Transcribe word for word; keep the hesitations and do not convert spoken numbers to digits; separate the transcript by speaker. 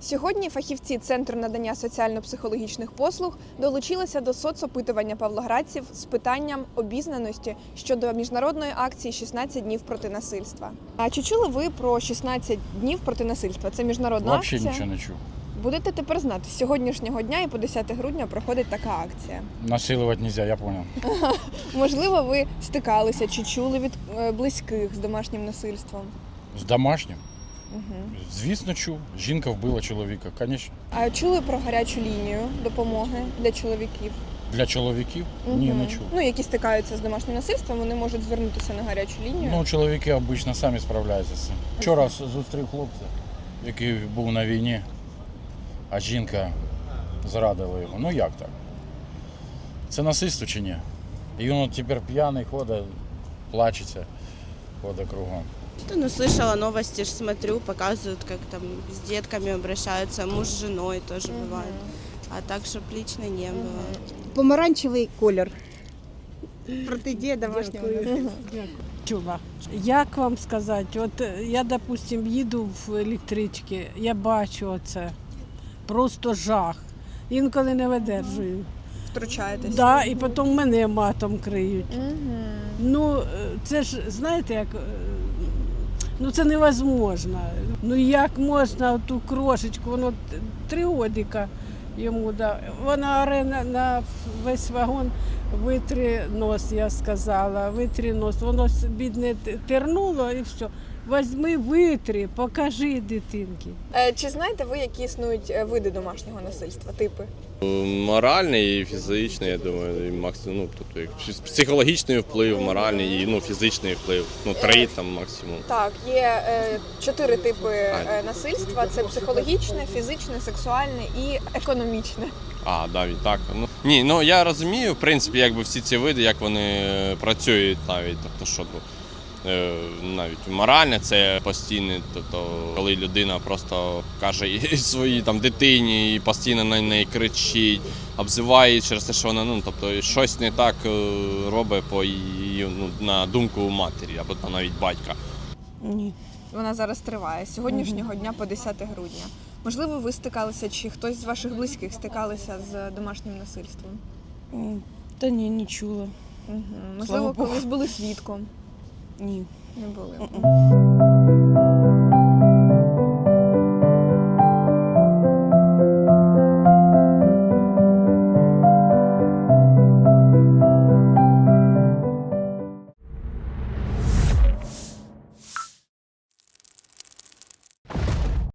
Speaker 1: Сьогодні фахівці Центру надання соціально-психологічних послуг долучилися до соцопитування павлоградців з питанням обізнаності щодо міжнародної акції «шістнадцять днів проти насильства». А чи чули ви про шістнадцять днів проти насильства? Це міжнародна
Speaker 2: Вообще
Speaker 1: акція.
Speaker 2: нічого не чув.
Speaker 1: Будете тепер знати, з сьогоднішнього дня і по десяте грудня проходить така акція.
Speaker 2: Насилувати нельзя, я понял.
Speaker 1: Можливо, ви стикалися чи чули від е, близьких з домашнім насильством?
Speaker 2: З домашнім?
Speaker 1: Угу.
Speaker 2: Звісно, чув. Жінка вбила чоловіка, звісно.
Speaker 1: А чули про гарячу лінію допомоги для чоловіків?
Speaker 2: Для чоловіків?
Speaker 1: Угу.
Speaker 2: Ні, не чув.
Speaker 1: Ну, які стикаються з домашнім насильством, вони можуть звернутися на гарячу лінію.
Speaker 2: Ну, чоловіки обично самі справляються з цим. Вчора зустрів хлопця, який був на війні, а жінка зрадила його. Ну як так? Це насильство чи ні? І він от тепер п'яний ходить, плачеться, ходить кругом.
Speaker 3: Ну, слышала новости, ж смотрю, показывают, как там с детками обращаются, муж с женой тоже
Speaker 1: Мгм.
Speaker 3: бывает. А так, чтоб лично не было.
Speaker 4: Помаранчевий колір. Протидія домашнього насильства.
Speaker 5: Чула. Як вам сказати, от я, допустим, їду в електричці, я бачу оце, просто жах. Інколи не видержую.
Speaker 1: Втручаєтесь.
Speaker 5: Да, і потім мене матом криють.
Speaker 1: Угу.
Speaker 5: Ну, це ж, знаєте, як, е, ну це невозможно. Ну як можна ту крошечку, воно т- три годика йому, да. Вона оре на, на весь вагон, витри нос, я сказала, витри нос. Воно с- бідне т- тернуло і все. Возьми, витри, покажи дитинки.
Speaker 1: Е, чи знаєте ви, які існують е, види домашнього насильства, типи?
Speaker 6: Моральний і фізичний, я думаю, і максимум, ну, тобто як псих- психологічний вплив, моральний і ну, фізичний вплив. Ну, три там максимум.
Speaker 1: Так, є е, чотири типи е, насильства: це психологічне, фізичне, сексуальне і економічне.
Speaker 6: А, да, і так. Ну, ні, ну я розумію, в принципі, якби всі ці види, як вони працюють навіть. Тобто, що ну, е, навіть моральне це постійне, тобто, коли людина просто каже і своїй там дитині і постійно на неї кричить, обзиває її через те, що вона ну, тобто, щось не так е, робить по її, ну, на думку матері або навіть батька.
Speaker 5: Ні.
Speaker 1: Вона зараз триває з сьогоднішнього дня по десяте грудня. Можливо, ви стикалися, чи хтось з ваших близьких стикалися з домашнім насильством?
Speaker 7: М, Та ні, не чула.
Speaker 1: Угу.
Speaker 7: Слава
Speaker 1: Можливо,
Speaker 7: Богу.
Speaker 1: колись були свідком?
Speaker 7: Ні.
Speaker 1: Не були.
Speaker 7: Мгм.